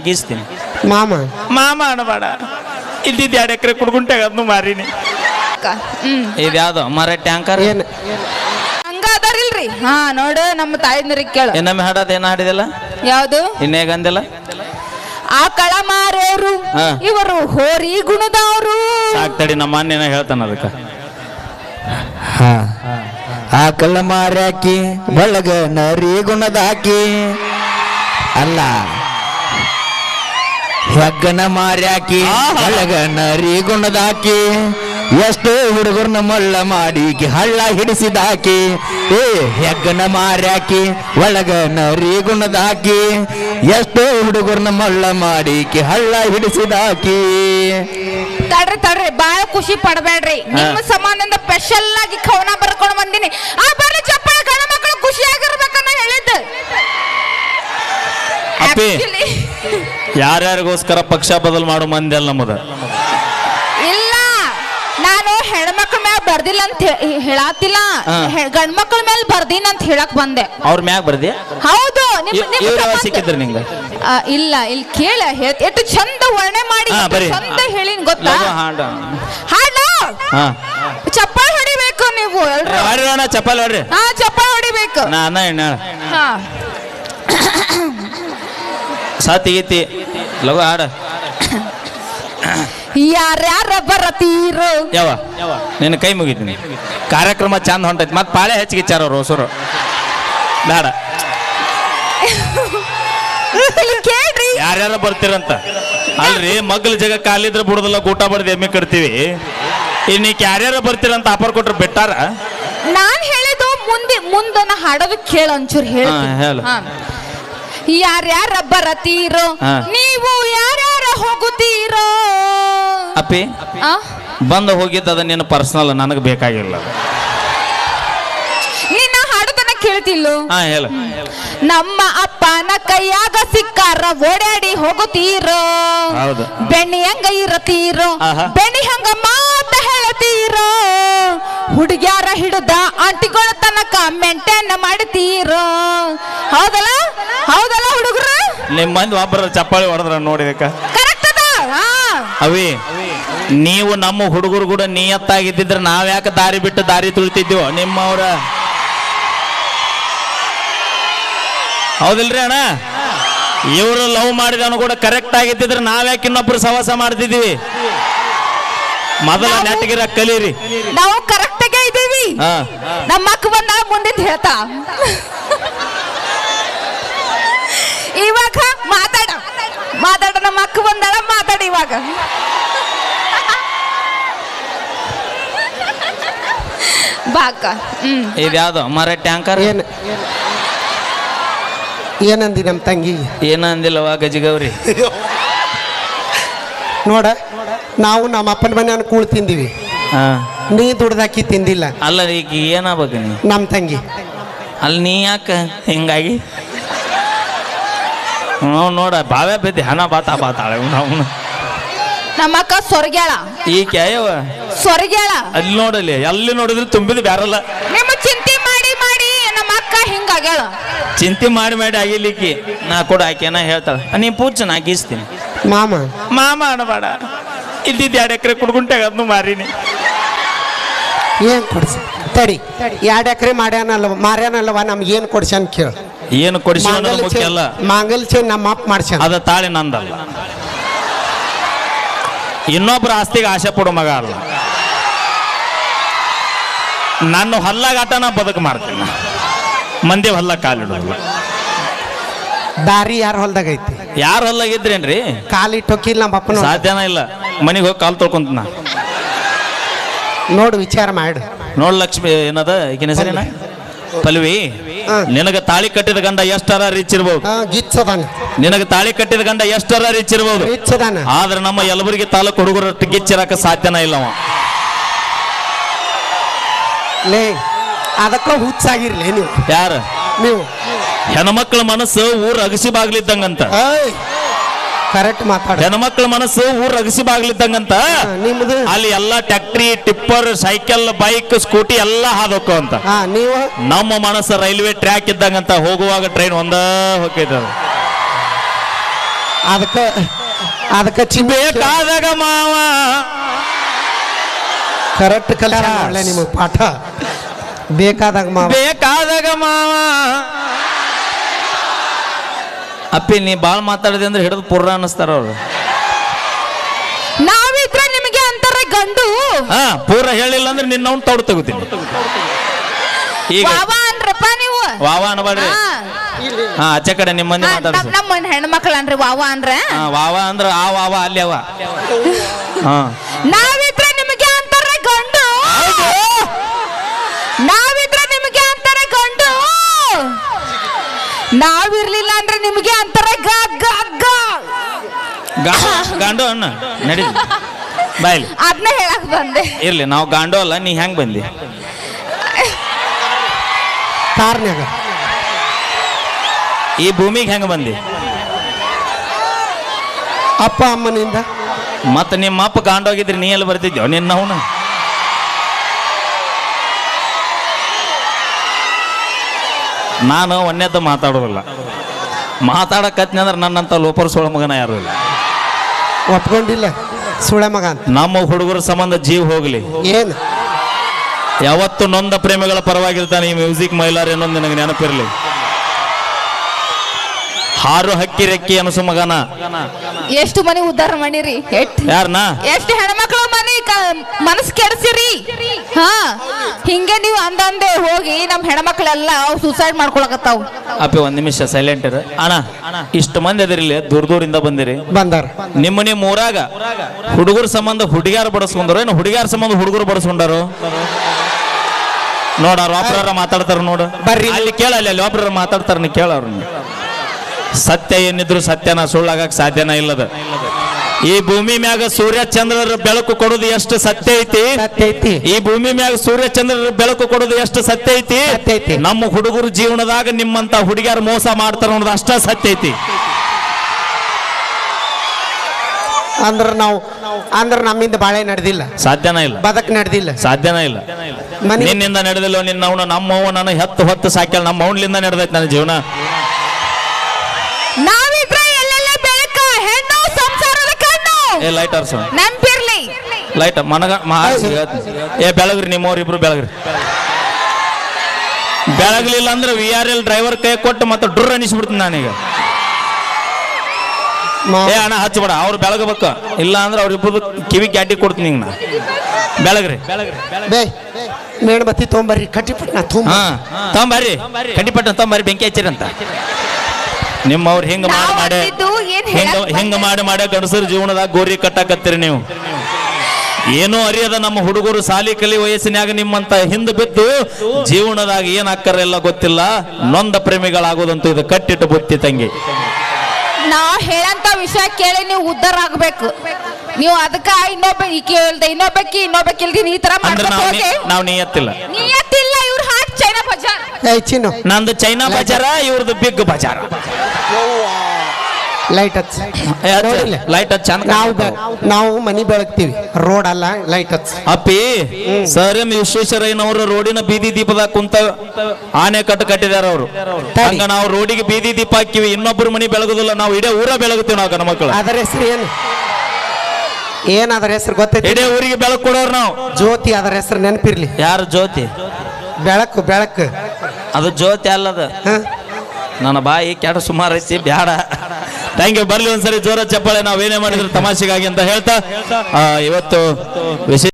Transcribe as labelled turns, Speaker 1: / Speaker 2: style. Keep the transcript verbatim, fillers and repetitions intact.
Speaker 1: ಗೀಸ್ತೀನಿ.
Speaker 2: ಮಾಮ
Speaker 1: ಮಾಮ ಅಣಬೇಡ, ಇದ್ದಿದ್ದು ಎರಡು ಎಕರೆ ಕುಡ್ಗುಂಟೆ ಅದನ್ನು ಮಾರಿನಿ. ಇದ್ಯಾವ್ದು ಮರ ಟ್ಯಾಂಕರ್
Speaker 2: ಏನ್
Speaker 3: ಹಂಗಾದಾರಿಲ್ರಿ? ಹಾ ನೋಡು ನಮ್ಮ ತಾಯಿಂದ್ರಿಗೆ ಕೇಳು.
Speaker 1: ಇನ್ನೊಮ್ಮೆ ಹಾಡೋದು ಏನ ಹಾಡಿದಿಲ್ಲ?
Speaker 3: ಯಾವ್ದು?
Speaker 1: ಇನ್ನೇಗಂದಿಲ್ಲ?
Speaker 3: ಆ ಕಳ ಮಾರೋರು ಇವರು ಹೋರಿ ಗುಣದವರು.
Speaker 1: ಸಾಕ್ತಡಿ, ನಮ್ಮ ಅಣ್ಣ ಏನೋ ಹೇಳ್ತಾನ ಅದಕ್ಕ.
Speaker 4: ಹಾ ಆ ಕಳ್ಳ ಮಾರ್ಯಾಕಿ ಒಳಗ ನರಿ ಗುಣದಾಕಿ ಅಲ್ಲ, ಹೆಗ್ಗನ ಮಾರ್ಯಾಕಿ ಒಳಗ ನರಿ ಗುಣದಾಕಿ, ಎಷ್ಟೋ ಹುಡುಗರ್ನ ಮಳ್ಳ ಮಾಡಿಕಿ ಹಳ್ಳ ಹಿಡಿಸಿದಾಕಿ. ಏ ಹೆಗ್ಗನ ಮಾರ್ಯಾಕಿ ಒಳಗ ನರಿ ಗುಣದಾಕಿ, ಎಷ್ಟೋ ಹುಡುಗರ್ನ ಮಳ್ಳ ಮಾಡಿಕಿ ಹಳ್ಳ ಹಿಡಿಸಿದಾಕಿ.
Speaker 3: ತಡ್ರಿ ತಡ್ರಿ, ಬಾಳ ಖುಷಿ ಪಡಬೇಡ್ರಿ. ನಿಮ್ಮ ಸಂಬಂಧದಿಂದ ಸ್ಪೆಷಲ್ ಆಗಿ ಕವನ ಬರ್ಕೊಂಡು ಬಂದಿನಿ. ಆ ಬರ್ರಿ ಚಪ್ಪಾಳೆ, ಗಂಡ ಮಕ್ಕಳು ಖುಷಿಯಾಗಿರ್ಬೇಕನ್ನ ಹೇಳಿದ್ದು.
Speaker 1: ಅಪ್ಪಿ, ಯಾರ್ಯಾರಿಗೋಸ್ಕರ ಪಕ್ಷ ಬದಲು ಮಾಡೋ ಮಂದಿ ಅಲ್ಲ ನಮ್ಮದ.
Speaker 3: ಇಲ್ಲ, ನಾನು ಹೆಣ್ಮಕ್ಳ ಮೇಲೆ ಬರ್ದಿಲ್ಲ ಅಂತ ಹೇಳಾತಿಲ್ಲ, ಗಂಡ್ಮಕ್ಳ ಮೇಲೆ ಬರ್ದೀನಿ ಅಂತ ಹೇಳಕ್ ಬಂದೆ.
Speaker 1: ಅವ್ರ ಮ್ಯಾಗ ಬರ್ದಿ?
Speaker 3: ಹೌದು.
Speaker 1: ಸಿಕ್ಕಿದ್ರು ನಿಂಗ?
Speaker 3: ಇಲ್ಲ, ಇಲ್ಲಿ ಕೇಳ, ಎಷ್ಟು ಚಂದ ವರ್ಣೆ ಮಾಡಿ ಚಂದ ಹೇಳಿನ್ ಗೊತ್ತಾ? ಹಾಡು ಚಪ್ಪಾಳೆ ಹೊಡಿಬೇಕು ನೀವು ಎಲ್ರು.
Speaker 1: ಚಪ್ಪಾಳೆ ಹೊಡ್ರಿ.
Speaker 3: ಹಾ, ಚಪ್ಪಾಳೆ ಹೊಡಿಬೇಕು.
Speaker 1: ನಾನ ಎಣ್ಣ
Speaker 3: ಹಾ,
Speaker 1: ಸಾತಿ ಗೀತಿ ಲಗು ಹಾಡ.
Speaker 3: ಯಾರ್ಯಾರ ಬರತೀರು?
Speaker 1: ಯಾವ ನಿನ್ನ ಕೈ ಮುಗಿತೀನಿ. ಕಾರ್ಯಕ್ರಮ ಚಂದ ಹೊಂಟೈತಿ, ಮತ್ ಪಾಳೆ ಹೆಚ್ಚಿಗಿಚ್ಚಾರ ಅವ್ರು ಹೊಸರು. ಬೇಡ,
Speaker 3: ಕೇಳ್ರಿ.
Speaker 1: ಯಾರ್ಯಾರ ಬರ್ತೀರಂತ ಅಲ್ರಿ. ಮಗ್ಲ ಜಗ ಕಾಲಿದ್ರೆ ಬಿಡುದಲ್ಲ, ಊಟ ಬಡ್ದು ಎಮ್ಮೆ ಕಟ್ತೀವಿ. ಇನ್ನೀಕ್ ಯಾರ್ಯಾರ ಬರ್ತೀರಂತ ಆಫರ್ ಕೊಟ್ರೆ ಬೆಟ್ಟಾರ?
Speaker 3: ನಾನ್ ಹೇಳಿದ್ದು ಮುಂದೆ ಮುಂದನ ಹಾಡೋದು ಕೇಳ ಒಂಚೂರು ಹೇಳ. ಯಾರ್ಯಾರ ಬರತೀರೋ, ನೀವು ಯಾರ್ಯಾರ ಹೋಗುತ್ತೀರೋ?
Speaker 1: ಅಪ್ಪಿ, ಬಂದು ಹೋಗಿದ್ದದ ನಿನ್ನ ಪರ್ಸನಲ್, ನನಗೆ ಬೇಕಾಗಿಲ್ಲ.
Speaker 3: ನಿನ್ನ ಹಾಡುದನ್ನ ಕೇಳ್ತಿಲ್ಲ?
Speaker 1: ಹಾ ಹೇಳ.
Speaker 3: ನಮ್ಮ ಅಪ್ಪನ ಕೈಯಾಗ ಸಿಕ್ಕಾರ ಓಡಾಡಿ ಹೋಗುತ್ತೀರೋ?
Speaker 1: ಹೌದು.
Speaker 3: ಬೆಣ್ಣಿ ಹಂಗ ಇರತೀರೋ, ಬೆಣ್ಣಿ ಹಂಗ ಮಾತ ಹೇಳ್ತೀರೋ? ಹುಡುಗ್ಯಾರ ಹಿಡಿದ ಆಂಟಿಗಳ ತನಕ ಮೆಂಟೇನ್ ಮಾಡ್ತೀರೋ? ಹೌದಲ್ಲ ಹೌದಲ್ಲ ಹುಡುಗರು?
Speaker 1: ನಿಮ್ಮ ಮಂದಿ ಒಬ್ಬರ ಚಪ್ಪಾಳಿ ಹೊಡೆದ್ರ ನೋಡಿದಕ್ಕ
Speaker 3: ಕರೆಕ್ಟ್ ಅದ.
Speaker 1: ಅವಿ, ನೀವು ನಮ್ಮ ಹುಡುಗರು ಕೂಡ ನಿಯತ್ತಾಗಿದ್ದಿದ್ರೆ ನಾವ್ಯಾಕೆ ದಾರಿ ಬಿಟ್ಟು ದಾರಿ ತುಳಿತಿದ್ವು ನಿಮ್ಮವ್ರ? ಹೌದಿಲ್ರಿ ಅಣ್ಣ? ಇವರು ಲವ್ ಮಾಡಿದವನು ಕೂಡ ಕರೆಕ್ಟ್ ಆಗಿದ್ದಿದ್ರೆ ನಾವ್ಯಾಕೆ ಇನ್ನೊಬ್ರು ಸವಾಸ ಮಾಡ್ತಿದ್ವಿ? ಮೊದಲ ನೆಟ್ಟಗಿರ ಕಲೀರಿ.
Speaker 3: ನಾವು ಕರೆಕ್ಟ್ ಆಗೇ ಇದ್ದೀವಿ. ನಮ್ಮ ಅಕ್ಕ ಬಂದ ಮುಂದಿನ ಹೇಳ್ತಾ ಇವಾಗ ಮಾತಾಡ ಮಾತಾಡ ನಮ್ಮ ಅಕ್ಕ ಬಂದಾಳ, ಮಾತಾಡ ಇವಾಗ. ಬಾಕ. ಹ್ಮ್
Speaker 1: ಇದ್ಯಾವ್ದು ಮರ ಟ್ಯಾಂಕರ್?
Speaker 2: ಏನ್ ಏನಂದಿ ನಮ್ಮ ತಂಗಿ?
Speaker 1: ಏನಂದಿಲ್ಲವಾ ಗಜಿಗೌರಿ?
Speaker 2: ನೋಡ, ನಾವು ನಮ್ಮ ಅಪ್ಪನ ಮನೆಯನ್ನು ಕೂಳ್ ತಿಂದಿವಿ, ನೀ ದುಡ್ದಾಕಿ ತಿಂದಿಲ್ಲ.
Speaker 1: ಅಲ್ಲ, ಈಗ ಏನಾಗ್ಬೇಕು ನೀ?
Speaker 2: ನಮ್ಮ ತಂಗಿ
Speaker 1: ಅಲ್ಲಿ ನೀ ಯಾಕ ಹಿಂಗಾಗಿ? ನಾವು ನೋಡ ಬಾವೆ ಬಿದ್ದಿ ಹಣ ಬಾತಾ ಬಾತಾಳೆ ನಾವು.
Speaker 3: ನಮ್ಮ ಅಕ್ಕ ಸೊರಗ್ಯಾಳ.
Speaker 1: ಈ ಕ್ಯಾಯವ
Speaker 3: ಸೊರಗ್ಯಾಳ.
Speaker 1: ಅಲ್ಲಿ ನೋಡಲಿ, ಎಲ್ಲಿ ನೋಡಿದ್ರು ತುಂಬಿದ ಬ್ಯಾರಲ್ಲ.
Speaker 3: ನಿಮ್ಮ ಚಿಂತೆ ಮಾಡಿ ಮಾಡಿ ನಮ್ಮ ಅಕ್ಕ ಹಿಂಗಾಗ್ಯಾಳ.
Speaker 1: ಚಿಂತೆ ಮಾಡಿ ಮಾಡಿ ಆಗಿಲಿಕ್ಕಿ ನಾ ಕೂಡ ಆಕೆನ ಹೇಳ್ತಾಳ, ನೀ ಪೂಜೆ ನಾ ಗೀಸ್ತೀನಿ.
Speaker 2: ಮಾಮ
Speaker 1: ಮಾಮ ಅಣಬೇಡ, ಇದ್ದಿದ್ದು ಎರಡು ಎಕರೆ ಕುಡ್ಗುಂಟೆ ಅದನ್ನು ಮಾರಿನಿ.
Speaker 2: ಏನ್ ಕೊಡ್ಸಿ? ತಡಿ, ಎರಡು ಎಕರೆ ಮಾಡ್ಯಾನಲ್ವ ಮಾರ್ಯಾನಲ್ವ, ನಮ್ಗೆ ಏನು ಕೊಡ್ಸ್ಯಾನ ಕೇಳ.
Speaker 1: ಏನು ಕೊಡಿಸಿ ಮುಖ್ಯ ಅಲ್ಲ,
Speaker 2: ಮಾಂಗಲ್ ಚೈನ್ ನಮ್ಮ ಅಪ್ಪ ಮಾಡ್ಸ್ಯಾನ.
Speaker 1: ಅದ ತಾಳಿ ನಂದಲ್ಲ, ಇನ್ನೊಬ್ರ ಆಸ್ತಿಗೆ ಆಸೆ ಪಡೋ ಮಗ ಅಲ್ಲ. ನನ್ನ ಹೊಲ್ಲಾಗಾಟ ನಾ ಬದುಕು ಮಾಡ್ತೀನಿ, ಮಂದಿ ಹೊಲ್ಲ ಕಾಲಿಡೋಲ್ಲ.
Speaker 2: ದಾರಿ ಯಾರ ಹೊಲ್ದಾಗ ಐತಿ?
Speaker 1: ಯಾರ ಹೊಲ್ಲಾಗಿದ್ರೇನ್ರಿ?
Speaker 2: ಕಾಲಿಟ್ಟೋಕಿಲ್ಲ ನಮ್ಮ ಅಪ್ಪನ.
Speaker 1: ಸಾಧ್ಯನ ಇಲ್ಲ, ಮನೆಗೆ ಹೋಗಿ ಕಾಲು ತೊಳ್ಕೊಂತ ನಾ.
Speaker 2: ನೋಡು, ವಿಚಾರ ಮಾಡು.
Speaker 1: ನೋಡ್ ಲಕ್ಷ್ಮಿ ಏನದ ಈಗಿನ ಹೆಸರೇನ? ಪಲ್ವಿ. ನಿನಗ ತಾಳಿ ಕಟ್ಟಿದ ಗಂಡ ಎಷ್ಟರ ರಿಚ್ ಇರ್ಬೋದು.
Speaker 2: ಗಿಚ್ಚದಾನ.
Speaker 1: ನಿನಗ ತಾಳಿ ಕಟ್ಟಿದ ಗಂಡ ಎಷ್ಟರ ರಿಚ್ ಇರ್ಬೋದು.
Speaker 2: ಗಿಚ್ಚದಾನ.
Speaker 1: ಆದ್ರೆ ನಮ್ಮ ಯಲಬುರ್ಗಿ ತಾಲೂಕು ಹುಡುಗರ ಗಿಚ್ಚಿರಕ ಸಾಧ್ಯನ ಇಲ್ಲವ.
Speaker 2: ಲೇ, ಅದಕ್ಕ ಹುಚ್ಚಾಗಿರ್ಲಿ ನೀವು.
Speaker 1: ಯಾರ
Speaker 2: ನೀವು?
Speaker 1: ಹೆಣ್ಮಕ್ಳ ಮನಸ್ಸು ಊರ್ ಅಗಸಿ ಬಾಗ್ಲಿದ್ದಂಗಂತ.
Speaker 2: ಕರೆಕ್ಟ್ ಮಾತಾಡ.
Speaker 1: ಹೆಣ್ಮಕ್ಳ ಮನಸ್ಸು ಊರ್ ಅಗಸಿ ಬಾಗ್ಲಿದ್ದಂಗಂತ.
Speaker 2: ನಿಮ್ದು
Speaker 1: ಅಲ್ಲಿ ಎಲ್ಲಾ tractor, tipper, cycle, bike, Scooty ಎಲ್ಲಾ ಹಾದೋಕು ಅಂತ.
Speaker 2: ನೀವು?
Speaker 1: ನಮ್ಮ ಮನಸ್ಸು ರೈಲ್ವೆ ಟ್ರ್ಯಾಕ್ ಇದ್ದಂಗಂತ. ಹೋಗುವಾಗ ಟ್ರೈನ್ ಒಂದ ಹೋಗ್ತದ.
Speaker 2: ಅದಕ್ಕೆ ಅದಕ್ಕೆ ಚಿಮ್ಮೆ
Speaker 1: ಬೇಕಾದಾಗ ಮಾವ
Speaker 2: ಕರೆಕ್ಟ್ ಕಲ್ಯಾಣ ಒಳ್ಳೆ ನಿಮಗೆ ಪಾಠ ಬೇಕಾದಾಗ ಮಾವ
Speaker 1: ಬೇಕಾದಾಗ ಮಾವ. ಅಪ್ಪಿ ನೀ ಬಾಳ್ ಮಾತಾಡಿದೆ ಅಂದ್ರೆ ಹಿಡಿದು ಪುರ್ರ ಅನ್ನಿಸ್ತಾರ ಅವ್ರು.
Speaker 3: ನಾವಿದ್ರೆ ನಿಮಗೆ ಅಂತಾರೆ ಗಂಡು.
Speaker 1: ಹಾ ಪೂರ ಹೇಳಿಲ್ಲ ಅಂದ್ರೆ ನಿನ್ನ ಅವ್ನು ತೌಡ್ ತಗೋತೀನಿ ಈಗ.
Speaker 3: ವಾವಾ ಅನ್ರಪ್ಪ ನೀವು.
Speaker 1: ವಾವ ಅನ್ಬೇಡ್ರಿ.
Speaker 3: ಹಾ.
Speaker 1: ಹಾ ಆಚೆ ಕಡೆ ನಿಮ್ಮ ಮಂದಿ ಮಾತಾಡ್ಸಿ.
Speaker 3: ನಮ್ಮ ಹೆಣ್ಮಕ್ಳು ಅನ್ರಿ ವಾವಾ ಅಂದ್ರ.
Speaker 1: ಹಾ ವಾವ ಅಂದ್ರ ಆ ವಾವ ಅಲ್ಲಿ ಅವ. ಹಾ
Speaker 3: ನಾವಿದ್ರೆ ನಿಮಗೆ ಅಂತಾರೆ ಗಂಡು. ನಾವಿದ್ರೆ ನಿಮಗೆ ಅಂತಾರೆ ಗಂಡು. ನಾವಿರ್ಲಿಲ್ಲ ಅಂದ್ರೆ ನಿಮಗೆ ಅಂತಾರೆ ಗಗ್ಗ
Speaker 1: ಗಾಂಡು ಅಣ್ಣ ನಡಿ ಬಾಯ್ಲಿ.
Speaker 3: ಅದನ್ನ ಹೇಳಕ್ ಬಂದೆ.
Speaker 1: ಇರ್ಲಿ ನಾವು ಗಾಂಡು ಅಲ್ಲ, ನೀ ಹೆಂಗ್ ಬಂದಿ
Speaker 2: ಕಾರ್ನ್ಯಾಗ
Speaker 1: ಈ ಭೂಮಿಗೆ ಹೆಂಗ ಬಂದಿ?
Speaker 2: ಅಪ್ಪ ಅಮ್ಮನಿಂದ.
Speaker 1: ಮತ್ತ ನಿಮ್ಮ ಅಪ್ಪ ಗಾಂಡೋಗಿದ್ರಿ ನೀ ಎಲ್ಲಿ ಬರ್ತಿದ್ಯೋ ನಿನ್ನ ಅವನು? ನಾನು ಒಂದೇತ ಮಾತಾಡೋದಿಲ್ಲ. ಮಾತಾಡಕತ್ನಿ ಅಂದ್ರೆ ನನ್ನಂತ ಲೋಪರ್ ಸೋಳ ಮಗನ ಯಾರು ಇಲ್ಲ.
Speaker 2: ಒಪ್ಕೊಂಡಿಲ್ಲ ಸುಳೆ ಮಗ ಅಂತ.
Speaker 1: ನಮ್ಮ ಹುಡುಗರ ಸಂಬಂಧ ಜೀವ ಹೋಗ್ಲಿ.
Speaker 2: ಏನು
Speaker 1: ಯಾವತ್ತು ನೊಂದ ಪ್ರೇಮಿಗಳ ಪರವಾಗಿರ್ತಾನೆ ಈ ಮ್ಯೂಸಿಕ್ ಮೈಲಾರ್ ಏನೊಂದು ನನಗೆ ನೆನಪಿರ್ಲಿ. ಹಾರು ಹಕ್ಕಿ ರೆಕ್ಕಿ ಅನಸು ಮಗನ.
Speaker 3: ಎಷ್ಟು ಮನೆ ಉದ್ಧಾರ ಮಾಡಿರಿ.
Speaker 1: ಯಾರನ್ನ
Speaker 3: ಎಷ್ಟು ಹೆಣ್ಮಕ್ಳು ಮನೆ ಮನಸ್ ಕೆಡ್ಸಿರಿ. ಹಾ ಹಿಂಗೆ ನೀವು ಅಂದಂದೆ ಹೋಗಿ ನಮ್ ಹೆಣ್ಮಕ್ಳೆಲ್ಲ ಸೂಸೈಡ್ ಮಾಡ್ಕೊಳಕತ್ತಾವ್.
Speaker 1: ಅಪ್ಪಿ ಒಂದ್ ನಿಮಿಷ ಸೈಲೆಂಟ್ ಇರ ಅಣ್ಣ. ಇಷ್ಟು ಮಂದಿ ಅದಿರ್ಲಿ, ದೂರ ದೂರಿಂದ ಬಂದಿರಿ.
Speaker 2: ಬಂದಾರ
Speaker 1: ನಿಮ್ಮ ನಿಮ್ಮ ಊರಾಗ ಹುಡುಗರ ಸಂಬಂಧ ಹುಡುಗ್ಯಾರ ಬಡಸ್ಕೊಂಡಾರೋ ಏನು ಹುಡುಗ್ಯಾರ ಸಂಬಂಧ ಹುಡುಗರು ಬಡಸ್ಕೊಂಡಾರೋ? ನೋಡ ಅವ್ರ ಒಬ್ರ ಮಾತಾಡ್ತಾರ ನೋಡು.
Speaker 2: ಬರ್ರಿ
Speaker 1: ಅಲ್ಲಿ ಕೇಳ, ಅಲ್ಲಿ ಅಲ್ಲಿ ಒಬ್ರ ಮಾತಾಡ್ತಾರ, ನೀ ಕೇಳ ಅವ್ರನ್ನ. ಸತ್ಯ ಏನಿದ್ರು ಸತ್ಯನ ಸುಳ್ಳಾಗಕ್ ಸಾಧ್ಯನ ಇಲ್ಲದ. ಈ ಭೂಮಿ ಮ್ಯಾಗ ಸೂರ್ಯ ಚಂದ್ರರ ಬೆಳಕು ಕೊಡೋದು ಎಷ್ಟು ಸತ್ಯ ಐತಿ.
Speaker 2: ಸತ್ಯ ಐತಿ.
Speaker 1: ಈ ಭೂಮಿ ಮ್ಯಾಗ ಸೂರ್ಯ ಚಂದ್ರರ ಬೆಳಕು ಕೊಡೋದು ಎಷ್ಟು ಸತ್ಯ ಐತಿ.
Speaker 2: ಸತ್ಯ ಐತಿ.
Speaker 1: ನಮ್ಮ ಹುಡುಗರು ಜೀವನದಾಗ ನಿಮ್ಮಂತ ಹುಡುಗಿಯರು ಮೋಸ ಮಾಡ್ತಾರ ಅನ್ನೋದು ಅಷ್ಟ ಸತ್ಯ ಐತಿ.
Speaker 2: ಅಂದ್ರ ನಾವು ಅಂದ್ರ ನಮ್ಮಿಂದ ಬಾಳೆ ನಡೆದಿಲ್ಲ,
Speaker 1: ಸಾಧ್ಯನ ಇಲ್ಲ.
Speaker 2: ಬದಕ್ ನಡೆದಿಲ್ಲ,
Speaker 1: ಸಾಧ್ಯನ ಇಲ್ಲ.
Speaker 2: ಮನೆ
Speaker 1: ನಿನ್ನಿಂದ ನಡೆದಿಲ್ಲ. ನಿನ್ನ ಅವನು ನಮ್ಮ ಅವ್ವ ನಾನು ಹೆತ್ತು ಹೊತ್ತು ಸಾಕ್ಯಾಳ. ನಮ್ಮ ಅವನ್ಲಿಂದ ನಡೆದೈತೆ ನನ್ನ ಜೀವನ.
Speaker 3: ನಾವಿದ್ರೆ ಎಲ್ಲೆಲ್ಲ ಬೆಳಕ ಹೆಣ್ಣು ಸಂಸಾರದ ಕಣ್ಣು.
Speaker 1: ಏ ಲೈಟ್ ಆರ್ಸ,
Speaker 3: ನೆನ್ಪಿರ್ಲಿ.
Speaker 1: ಲೈಟ್ ಮನಗ ಮಾರ್ಸಿ ಹೇಳ್ತೀನಿ. ಏ ಬೆಳಗ್ರಿ, ನಿಮ್ಮವ್ರು ಇಬ್ರು ಬೆಳಗ್ರಿ. ಬೆಳಗ್ಲಿಲ್ಲ ಅಂದ್ರೆ ವಿ ಆರ್ ಎಲ್ ಡ್ರೈವರ್ ಕೈ ಕೊಟ್ಟು ಮತ್ತೆ ಡ್ರ ಅನಿಸ್ಬಿಡ್ತೀನಿ ನಾನೀಗ. ಏ ಅಣ್ಣ ಹಚ್ಚಬೇಡ, ಅವ್ರು ಬೆಳಗಬೇಕು. ಇಲ್ಲ ಅಂದ್ರೆ ಅವ್ರಿಬ್ರು ಕಿವಿ ಗ್ಯಾಟಿ ಕೊಡ್ತೀನಿ ಹಿಂಗ. ಬೆಳಗ್ರಿ
Speaker 2: ಬೇ ಮೇಣಬತ್ತಿ ತೊಗೊಂಬರ್ರಿ, ಕಟ್ಟಿಪಟ್ನ ತುಂಬ.
Speaker 1: ಹಾ ತೊಂಬರ್ರಿ, ಕಡ್ಡಿಪಟ್ಟ ತೊಂಬರ್ರಿ, ಬೆಂಕಿ ಹಚ್ಚಿರಂತ. ನಿಮ್ಮವ್ರು ಹಿಂಗ ಮಾಡಿ ಮಾಡಿ ಹಿಂಗ ಹಿಂಗ ಮಾಡಿ ಮಾಡಿ ಗಂಡಸರ ಜೀವನದಾಗ ಗೋರಿ ಕಟ್ಟಾಕತ್ತೀರಿ ನೀವು. ಏನೋ ಅರಿಯದ ನಮ್ಮ ಹುಡುಗರು ಸಾಲಿ ಕಲಿ ವಯಸ್ಸಿನಾಗ ನಿಮ್ಮಂತ ಹಿಂದೆ ಬಿದ್ದು ಜೀವನದಾಗ ಏನ್ ಹಾಕ್ಕಾರ ಎಲ್ಲ ಗೊತ್ತಿಲ್ಲ. ನೊಂದ ಪ್ರೇಮಿಗಳಾಗೋದಂತೂ ಇದು ಕಟ್ಟಿಟ್ಟು ಬುತ್ತಿ ತಂಗಿ.
Speaker 3: ನಾ ಹೇಳಂತ ವಿಷಯ ಕೇಳಿ ನೀವು ಉದ್ಧಾರ ಆಗ್ಬೇಕು. ನೀವು ಅದಕ್ಕ ಇನ್ನೊಬ್ಬ ಕೇಳ್ದೆ ಇನ್ನೊಬ್ಬಕ್ಕಿ ಇನ್ನೊಬ್ಬಕ್ಕಿಲ್ದಿ ಈ ತರ
Speaker 1: ಅಂದ್ರೆ
Speaker 3: ಮಾಡ್ಕೊಂಡು ಹೋಗಿ
Speaker 1: ನಾವು ನೀಯತ್ತಿಲ್ಲ.
Speaker 3: ನಿಯತ್ತಿಲ್ಲ. ಇವ್ರ ಹಾಟ್ ಚೈನಾ ಬಜಾರ್.
Speaker 2: ಏ ಚಿನ್ನು
Speaker 1: ನಂದು ಚೈನಾ ಬಜಾರ, ಇವ್ರದ್ದು ಬಿಗ್ ಬಜಾರ.
Speaker 2: ಲೈಟ್ ಹಚ್ಚ. ನೋಡಿಲ್ಲ?
Speaker 1: ಲೈಟ್ ಹಚ್ಚ ಚಂದ.
Speaker 2: ನಾವು ಬೆ- ನಾವು ಮನಿ ಬೆಳಗ್ತೀವಿ, ರೋಡ್ ಅಲ್ಲ, ಲೈಟ್ ಹಚ್ಚ.
Speaker 1: ಅಪ್ಪಿ ಸರ್ ಎಂ ವಿಶ್ವೇಶ್ವರಯ್ಯನವರು ರೋಡಿನ ಬೀದಿ ದೀಪದಾಗ ಕುಂತ ಆನೆ ಕಟ್ಟು ಕಟ್ಟಿದಾರ ಅವರು. ಹಂಗ ನಾವು ರೋಡಿಗೆ ಬೀದಿ ದೀಪ ಹಾಕಿವಿ, ಇನ್ನೊಬ್ಬರು ಮನಿ ಬೆಳಗುದಿಲ್ಲ. ನಾವು ಇಡೇ ಊರ ಬೆಳಗುತ್ತೀವಿ ನಾವು ಗಣ ಮಕ್ಕಳು.
Speaker 2: ಅದರ ಹೆಸರು ಏನು? ಏನ್ ಅದರ ಹೆಸರು ಗೊತ್ತೈತಿ?
Speaker 1: ಇಡೇ ಊರಿಗೆ ಬೆಳಕು ಕೊಡೋರು ನಾವು.
Speaker 2: ಜ್ಯೋತಿ. ಅದರ ಹೆಸರು ನೆನಪಿರ್ಲಿ.
Speaker 1: ಯಾರು ಜ್ಯೋತಿ?
Speaker 2: ಬೆಳಕು ಬೆಳಕು.
Speaker 1: ಅದು ಜ್ಯೋತಿ ಅಲ್ಲದ.
Speaker 2: ಹ?
Speaker 1: ನನ್ನ ಬಾಯಿ ಕೆಡ ಸುಮಾರು ಐತಿ, ಬ್ಯಾಡ. Thank you. ಬರ್ಲಿ ಒಂದ್ಸರಿ ಜೋರ ಚಪ್ಪಾಳೆ. ನಾವೇನೇ ಮಾಡಿದ್ರು ತಮಾಷೆಗಾಗಿ ಅಂತ ಹೇಳ್ತಾ ಇವತ್ತು ವಿಶೇಷ